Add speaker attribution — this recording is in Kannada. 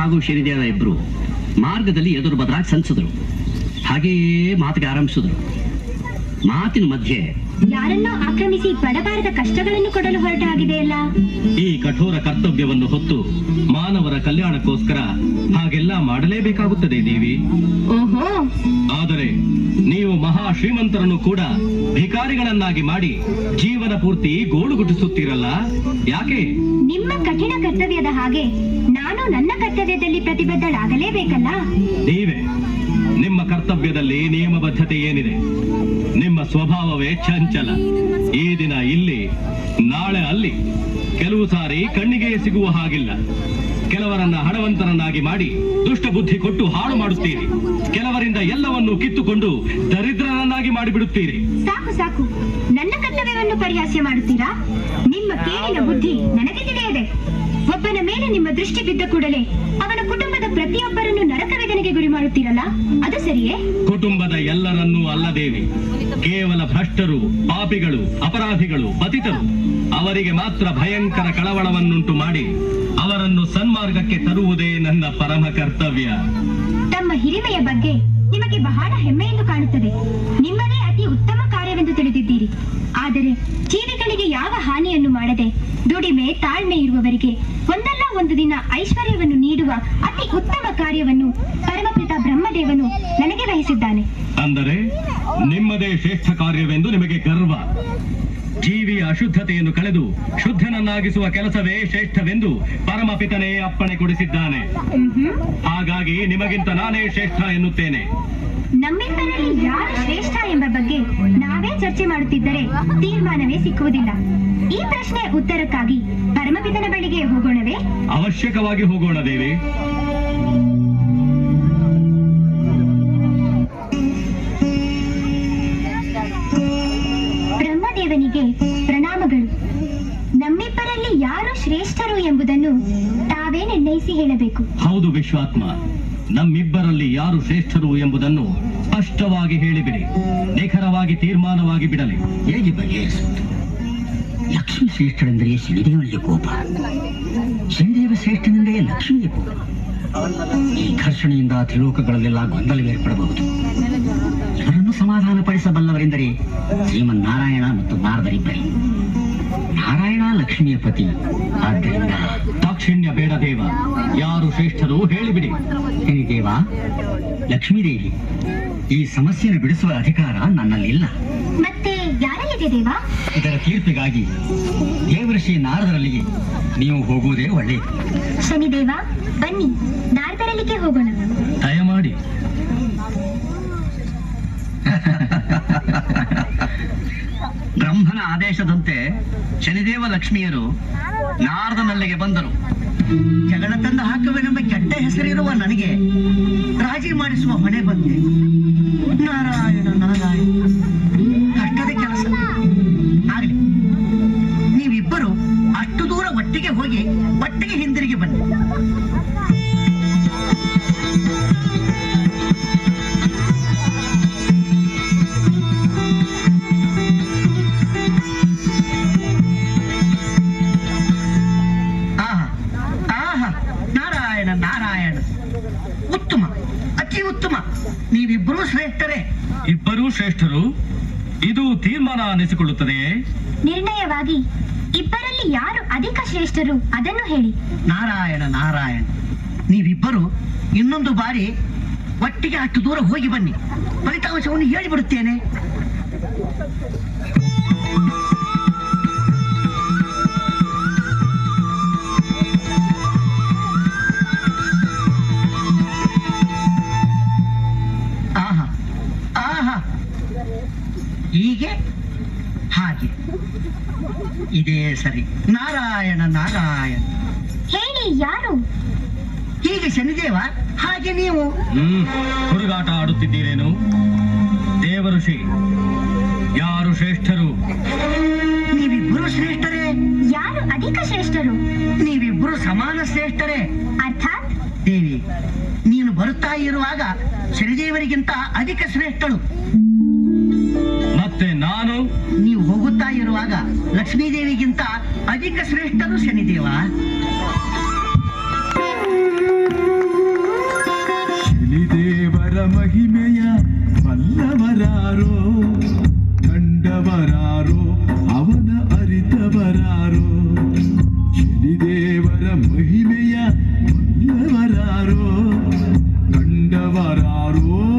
Speaker 1: ಹಾಗೂ ಶನಿದೇವ ಇಬ್ರು ಮಾರ್ಗದಲ್ಲಿ ಎದುರು ಬದಲಾಗಿ ಸಂಚಿದ್ರು. ಹಾಗೆಯೇ ಮಾತಿಗೆ ಆರಂಭಿಸಿದ್ರು. ಮಾತಿನ ಮಧ್ಯೆ
Speaker 2: ಯಾರನ್ನೋ ಆಕ್ರಮಿಸಿ ಬಡಬಾರದ ಕಷ್ಟಗಳನ್ನು ಕೊಡಲು ಹೊರಟ ಆಗಿದೆಯಲ್ಲ.
Speaker 3: ಈ ಕಠೋರ ಕರ್ತವ್ಯವನ್ನು ಹೊತ್ತು ಮಾನವರ ಕಲ್ಯಾಣಕ್ಕೋಸ್ಕರ ಹಾಗೆಲ್ಲ ಮಾಡಲೇಬೇಕಾಗುತ್ತದೆ ದೇವಿ.
Speaker 2: ಓಹೋ,
Speaker 3: ಆದರೆ ನೀವು ಮಹಾ ಶ್ರೀಮಂತರನ್ನು ಕೂಡ ಭಿಕಾರಿಗಳನ್ನಾಗಿ ಮಾಡಿ ಜೀವನ ಪೂರ್ತಿ ಗೋಳುಗುಟ್ಟಿಸುತ್ತೀರಲ್ಲ, ಯಾಕೆ?
Speaker 2: ನಿಮ್ಮ ಕಠಿಣ ಕರ್ತವ್ಯದ ಹಾಗೆ ನಾನು ನನ್ನ ಕರ್ತವ್ಯದಲ್ಲಿ ಪ್ರತಿಬದ್ಧಳಾಗಲೇಬೇಕಲ್ಲ.
Speaker 3: ನೀವೇ ನಿಮ್ಮ ಕರ್ತವ್ಯದಲ್ಲಿ ನಿಯಮಬದ್ಧತೆ ಏನಿದೆ? ನಿಮ್ಮ ಸ್ವಭಾವವೇ ಚಂಚಲ. ಈ ದಿನ ಇಲ್ಲಿ, ನಾಳೆ ಅಲ್ಲಿ. ಕೆಲವು ಸಾರಿ ಕಣ್ಣಿಗೆ ಸಿಗುವ ಹಾಗಿಲ್ಲ. ಕೆಲವರನ್ನ ಹಣವಂತರನ್ನಾಗಿ ಮಾಡಿ ದುಷ್ಟ ಬುದ್ಧಿ ಕೊಟ್ಟು ಹಾಳು ಮಾಡುತ್ತೀರಿ. ಕೆಲವರಿಂದ ಎಲ್ಲವನ್ನೂ ಕಿತ್ತುಕೊಂಡು ದರಿದ್ರರನ್ನಾಗಿ ಮಾಡಿಬಿಡುತ್ತೀರಿ.
Speaker 2: ಸಾಕು ಸಾಕು, ನನ್ನ ಕರ್ತವ್ಯವನ್ನು ಪರಿಹಾಸ್ಯ ಮಾಡುತ್ತೀರಾ? ನಿಮ್ಮ ಕೇಳಿನ ಬುದ್ಧಿ ನನಗೆ ತಿಳಿಯದೆ. ಒಬ್ಬನ ಮೇಲೆ ನಿಮ್ಮ ದೃಷ್ಟಿ ಬಿದ್ದ ಕೂಡಲೇ ಅವನ ಕುಟುಂಬದ ಪ್ರತಿಯೊಬ್ಬರನ್ನು ನರಕ ವೇದನೆಗೆ ಗುರಿ ಮಾಡುತ್ತೀರಲ್ಲ, ಅದು ಸರಿಯೇ?
Speaker 3: ಕುಟುಂಬದ ಎಲ್ಲರನ್ನೂ ಅಲ್ಲ ದೇವಿ, ಕೇವಲ ಭ್ರಷ್ಟರು, ಪಾಪಿಗಳು, ಅಪರಾಧಿಗಳು, ಪತಿತರು ಅವರಿಗೆ ಮಾತ್ರ ಭಯಂಕರ ಕಳವಳವನ್ನುಂಟು ಮಾಡಿ ಅವರನ್ನು ಸನ್ಮಾರ್ಗಕ್ಕೆ ತರುವುದೇ ನನ್ನ ಪರಮ ಕರ್ತವ್ಯ.
Speaker 2: ತಮ್ಮ ಹಿರಿಮೆಯ ಬಗ್ಗೆ ನಿಮಗೆ ಬಹಳ ಹೆಮ್ಮೆಯೆಂದು ಕಾಣುತ್ತದೆ. ನಿಮ್ಮದೇ ಅತಿ ಉತ್ತಮ ಕಾರ್ಯವೆಂದು ತಿಳಿದಿದ್ದೀರಿ. ಆದರೆ ಜೀವಿಗಳಿಗೆ ಯಾವ ಹಾನಿಯನ್ನು ಮಾಡದೆ ದುಡಿಮೆ ತಾಳ್ಮೆ ಇರುವವರಿಗೆ ಒಂದಲ್ಲ ಒಂದು ದಿನ ಐಶ್ವರ್ಯವನ್ನು ನೀಡುವ ಅತಿ ಉತ್ತಮ ಕಾರ್ಯವನ್ನು ಪರಮಪಿತ ಬ್ರಹ್ಮದೇವನು ನನಗೆ ವಹಿಸಿದ್ದಾನೆ.
Speaker 3: ಅಂದರೆ ನಿಮ್ಮದೇ ಶ್ರೇಷ್ಠ ಕಾರ್ಯವೆಂದು ನಿಮಗೆ ಗರ್ವ. ಜೀವಿಯ ಅಶುದ್ಧತೆಯನ್ನು ಕಳೆದು ಶುದ್ಧನನ್ನಾಗಿಸುವ ಕೆಲಸವೇ ಶ್ರೇಷ್ಠವೆಂದು ಪರಮಪಿತನೇ ಅಪ್ಪಣೆ ಕೊಡಿಸಿದ್ದಾನೆ. ಹಾಗಾಗಿ ನಿಮಗಿಂತ ನಾನೇ ಶ್ರೇಷ್ಠ ಎನ್ನುತ್ತೇನೆ.
Speaker 2: ನಮ್ಮಿಬ್ಬರಲ್ಲಿ ಯಾರು ಶ್ರೇಷ್ಠ ಎಂಬ ಬಗ್ಗೆ ನಾವೇ ಚರ್ಚೆ ಮಾಡುತ್ತಿದ್ದರೆ ತೀರ್ಮಾನವೇ ಸಿಕ್ಕುವುದಿಲ್ಲ. ಈ ಪ್ರಶ್ನೆ ಉತ್ತರಕ್ಕಾಗಿ ಪರಮಪಿತನ ಬಳಿಗೆ ಹೋಗೋಣವೇ?
Speaker 3: ಅವಶ್ಯಕವಾಗಿ ಹೋಗೋಣ ದೇವಿ.
Speaker 2: ಬ್ರಹ್ಮದೇವನಿಗೆ ಪ್ರಣಾಮಗಳು. ನಮ್ಮಿಬ್ಬರಲ್ಲಿ ಯಾರು ಶ್ರೇಷ್ಠರು ಎಂಬುದನ್ನು ತಾವೇ ನಿರ್ಣಯಿಸಿ ಹೇಳಬೇಕು.
Speaker 3: ಹೌದು ವಿಶ್ವಾತ್ಮ, ನಮ್ಮಿಬ್ಬರಲ್ಲಿ ಯಾರು ಶ್ರೇಷ್ಠರು ಎಂಬುದನ್ನು ಸ್ಪಷ್ಟವಾಗಿ ಹೇಳಿಬಿಡಿ. ನಿಖರವಾಗಿ ತೀರ್ಮಾನವಾಗಿ ಬಿಡಲಿ.
Speaker 1: ಹೇಗೆ ಬಗೆಹರಿಸುತ್ತೆ? ಲಕ್ಷ್ಮಿ ಶ್ರೇಷ್ಠನೆಂದರೆ ಶನಿದೇವನಿಗೆ ಕೋಪ, ಶನಿದೇವ ಶ್ರೇಷ್ಠನೆಂದರೆ ಲಕ್ಷ್ಮಿಗೆ ಕೋಪ. ಈ ಘರ್ಷಣೆಯಿಂದ ತ್ರಿಲೋಕಗಳಲ್ಲೆಲ್ಲ ಗೊಂದಲ ಏರ್ಪಡಬಹುದು. ಇವರನ್ನು ಸಮಾಧಾನಪಡಿಸಬಲ್ಲವರೆಂದರೆ ಶ್ರೀಮನ್ನಾರಾಯಣ ಮತ್ತು ನಾರದರಿಬ್ಬರೇ. ನಾರಾಯಣ ಲಕ್ಷ್ಮಿಯ ಪತಿ, ಆದ್ದರಿಂದ
Speaker 3: ದಾಕ್ಷಿಣ್ಯ ಬೇಡ ದೇವ. ಯಾರು ಶ್ರೇಷ್ಠರು ಹೇಳಿಬಿಡಿ.
Speaker 1: ಶನಿದೇವ, ಲಕ್ಷ್ಮೀದೇವಿ, ಈ ಸಮಸ್ಯೆಯನ್ನು ಬಿಡಿಸುವ ಅಧಿಕಾರ ನನ್ನಲ್ಲಿಲ್ಲ.
Speaker 2: ಮತ್ತೆ ಯಾರಲ್ಲಿದೆ ದೇವ?
Speaker 1: ಇದರ ತೀರ್ಪಿಗಾಗಿ ದೇವಋಷಿ ನಾರದರಲ್ಲಿಗೆ ನೀವು ಹೋಗುವುದೇ ಒಳ್ಳೆಯದು.
Speaker 2: ಶನಿದೇವ, ಬನ್ನಿ ನಾರದರಲ್ಲಿಗೆ ಹೋಗೋಣ.
Speaker 3: ದಯಮಾಡಿ.
Speaker 1: ಬ್ರಹ್ಮನ ಆದೇಶದಂತೆ ಶನಿದೇವ ಲಕ್ಷ್ಮಿಯರು ನಾರದನಲ್ಲಿಗೆ ಬಂದರು. ಜಗಳ ತಂದು ಹಾಕುವೆನೆಂಬ ಕೆಟ್ಟ ಹೆಸರಿರುವ ನನಗೆ ರಾಜಿ ಮಾಡಿಸುವ ಹೊಣೆ ಬಂತೆ. ನಾರಾಯಣ ನಾರಾಯಣ, ಕಷ್ಟದ ಕೆಲಸ. ಆಗಲಿ, ನೀವಿಬ್ಬರು ಅಷ್ಟು ದೂರ ಒಟ್ಟಿಗೆ ಹೋಗಿ ಒಟ್ಟಿಗೆ ಹಿಂದಿರುಗಿ ಬನ್ನಿ. ನಾರಾಯಣ, ಉತ್ತಮ, ಅತಿ ಉತ್ತಮ. ನೀವಿಬ್ಬರೂ ಶ್ರೇಷ್ಠರೇ.
Speaker 3: ಇಬ್ಬರೂ ಶ್ರೇಷ್ಠರು, ಇದು ತೀರ್ಮಾನ ಅನಿಸಿಕೊಳ್ಳುತ್ತದೆಯೇ?
Speaker 2: ನಿರ್ಣಯವಾಗಿ ಇಬ್ಬರಲ್ಲಿ ಯಾರು ಅಧಿಕ ಶ್ರೇಷ್ಠರು ಅದನ್ನು ಹೇಳಿ.
Speaker 1: ನಾರಾಯಣ ನಾರಾಯಣ, ನೀವಿಬ್ಬರು ಇನ್ನೊಂದು ಬಾರಿ ಒಟ್ಟಿಗೆ ಅಷ್ಟು ದೂರ ಹೋಗಿ ಬನ್ನಿ. ಫಲಿತಾಂಶವನ್ನು ಹೇಳಿಬಿಡುತ್ತೇನೆ. ಹೀಗೆ ಹಾಗೆ ಇದೇ ಸರಿ. ನಾರಾಯಣ ನಾರಾಯಣ,
Speaker 2: ಹೇಳಿ ಯಾರು?
Speaker 1: ಹೀಗೆ ಶನಿದೇವ, ಹಾಗೆ ನೀವು.
Speaker 3: ಹುಡುಗಾಟ ಆಡುತ್ತಿದ್ದೀರೇನು? ದೇವಋಷಿ, ಯಾರು ಶ್ರೇಷ್ಠರು?
Speaker 1: ನೀವಿಬ್ಬರು ಶ್ರೇಷ್ಠರೇ.
Speaker 2: ಯಾರು ಅಧಿಕ ಶ್ರೇಷ್ಠರು?
Speaker 1: ನೀವಿಬ್ಬರು ಸಮಾನ ಶ್ರೇಷ್ಠರೇ.
Speaker 2: ಅರ್ಥಾತ್
Speaker 1: ದೇವಿ, ನೀನು ಬರುತ್ತಾ ಇರುವಾಗ ಶನಿದೇವರಿಗಿಂತ ಅಧಿಕ ಶ್ರೇಷ್ಠಳು.
Speaker 3: ಮತ್ತೆ ನಾನು?
Speaker 1: ನೀವು ಹೋಗುತ್ತಾ ಇರುವಾಗ ಲಕ್ಷ್ಮೀದೇವಿಗಿಂತ ಅಧಿಕ ಶ್ರೇಷ್ಠರು ಶನಿದೇವ.
Speaker 4: ಶನಿದೇವರ ಮಹಿಮೆಯ ಬಲ್ಲವರಾರೋ, ಕಂಡವರಾರೋ ಅವನ ಅರಿತವರಾರೋ. ಶನಿದೇವರ ಮಹಿಮೆಯ ಬಲ್ಲವರಾರೋ, ಕಂಡವರಾರೋ